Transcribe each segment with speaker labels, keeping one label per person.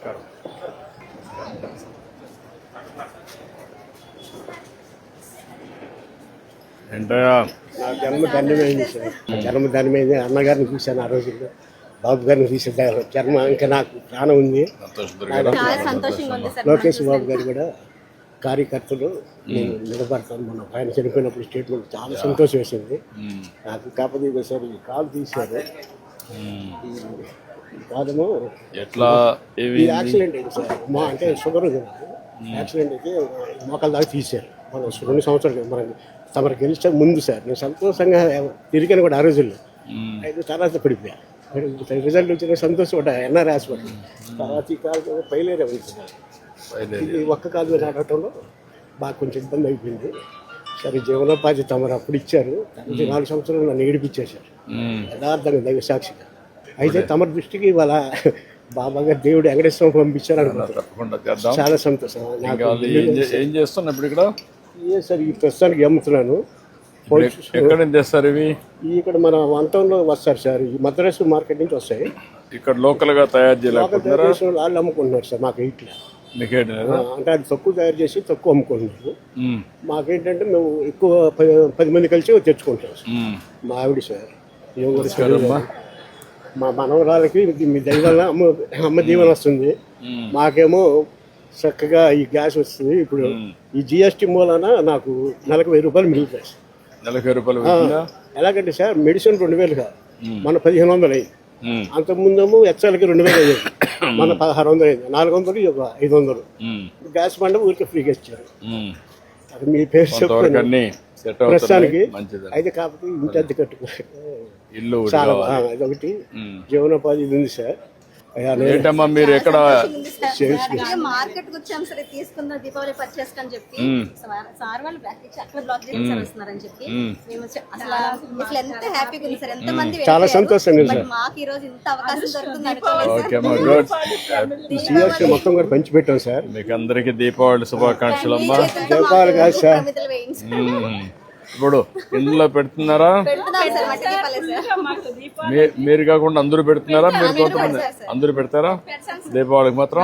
Speaker 1: నమస్కారం. ఏంటయ్యా
Speaker 2: నా జన్మ ధన్యమైంది సార్. జన్మ ధన్యమైంది. అన్నగారిని చూశాను ఆ రోజుల్లో, బాబు గారిని చూసాను. జన్మ ఇంకా నాకు ప్రాణం ఉంది. లోకేష్ బాబు గారు కూడా కార్యకర్తలు నేను నిలబడతాను. మనం ఆయన చనిపోయినప్పుడు స్టేట్మెంట్ చాలా సంతోషం వేసింది నాకు. కాకపోతే సార్ ఈ కాలు తీశారు. ఈ కాలము
Speaker 1: ఎట్లా
Speaker 2: ఈ యాక్సిడెంట్ అయింది సార్. మా అంటే షుగర్ ఉంది నాకు. యాక్సిడెంట్ అయితే మోకాల దాకా తీశారు. మనం 2 సంవత్సరాలు మనం తమరు గెలిచే ముందు సార్ నేను సంతోషంగా తిరిగాను కూడా ఆ రోజుల్లో. అయితే తర్వాత పడిపోయా. రిజల్ట్ వచ్చిన సంతోషం కూడా ఎన్ఆర్ హాస్పిటల్. తర్వాత ఈ కాలు పైలేరే ఉంది సార్. ఇది ఒక్క కాలు మీద ఆడటంలో బాగా కొంచెం ఇబ్బంది అయిపోయింది. సరే జీవనోపాధి తమరు అప్పుడు ఇచ్చారు. 4 సంవత్సరాలు నన్ను ఏడిపించేశారు యథార్థంగా దైవ సాక్షిగా. అయితే తమ దృష్టికి ఇవాళ బాబా గారు దేవుడు వెంకటేశ్వరం పంపించారు అనుకుంటున్నాను. చాలా సంతోషం.
Speaker 1: ఏం చేస్తున్నా ఇప్పుడు ఇక్కడ?
Speaker 2: సార్ ఈ ప్రస్తుతానికి అమ్ముతున్నాను.
Speaker 1: ఎక్కడ తెస్తారు ఇవి?
Speaker 2: ఇక్కడ మన వంతంలో వస్తారు సార్. ఈ మద్రాసు మార్కెట్ నుంచి వస్తాయి.
Speaker 1: ఇక్కడ లోకల్ గా తయారు చేయలేకపోతున్నారా?
Speaker 2: వాళ్ళు అమ్ముకుంటున్నారు సార్. మాకు ఇట్లా అంటే అది తక్కువ తయారు చేసి తక్కువ అమ్ముకుంటున్నారు. మాకేంటంటే మేము ఎక్కువ 10 మంది కలిసి తెచ్చుకుంటాం సార్. మా ఆవిడ సార్ మా మనవరాలకి మీ దైవాల అమ్మ దీవెన వస్తుంది. మాకేమో చక్కగా ఈ గ్యాస్ వస్తుంది. ఇప్పుడు ఈ జిఎస్టీ మూలాన నాకు నెలకు 1000 రూపాయలు మిగులుతాయి సార్.
Speaker 1: నెలకు 1000 రూపాయలు
Speaker 2: ఎలాగంటే సార్ మెడిసిన్ 2000 కాదు, మన 1500 అయింది. అంతకుముందేమో ఎచ్చలకి 2000 అయ్యేది, మన 1600 అయింది. 400 ఒక 500. గ్యాస్ బండ ఊరికి ఫ్రీగా ఇచ్చారు. అది మీ పేరు చెప్తాను ప్రస్తుతానికి. అయితే కాకపోతే ఇంటి అద్దె
Speaker 1: ఇల్లు
Speaker 2: చాలా అదొకటి జీవనోపాధి ఇది ఉంది సార్.
Speaker 1: ఏంటమ్మా మీరు ఎక్కడ
Speaker 3: మార్కెట్ వచ్చాం సరే తీసుకున్న దీపావళి పర్చేస్ అని చెప్పి సార్ వాళ్ళు అక్కడ బ్లాక్ చేసి వస్తున్నారని చెప్పి మేము అసలు ఎంత హ్యాపీగా ఉంది సార్. ఎంత మంది
Speaker 2: చాలా సంతోషంగా ఉంది సార్.
Speaker 3: మాకు ఈ రోజు ఇంత అవకాశం దొరుకుతుంది అనుకోలేదు.
Speaker 2: మొత్తం కూడా పంచి పెట్టాం సార్.
Speaker 1: మీకు అందరికి దీపావళి శుభాకాంక్షలు అమ్మా.
Speaker 2: దీపావళి కాదు సార్,
Speaker 1: ఇప్పుడు ఇందులో పెడుతున్నారా? మీరు కాకుండా అందరూ పెడుతున్నారా? మీరు కొంతమంది అందరూ పెడతారా దీపావళికి మాత్రం?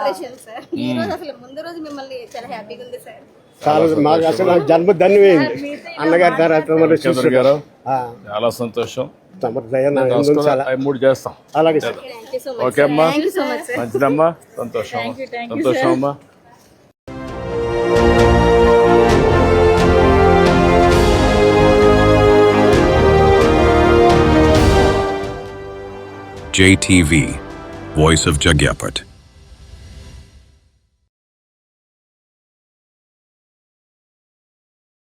Speaker 2: మాకు అసలు జన్మ ధన్యమైంది అన్నగారి తర్వాత
Speaker 1: గారు. చాలా సంతోషం.
Speaker 2: 3
Speaker 1: చేస్తాం.
Speaker 2: అలాగే సార్.
Speaker 1: ఓకే అమ్మా, మంచిదమ్మా. సంతోషం సంతోషం అమ్మా.
Speaker 4: JTV, Voice of Jagyapat.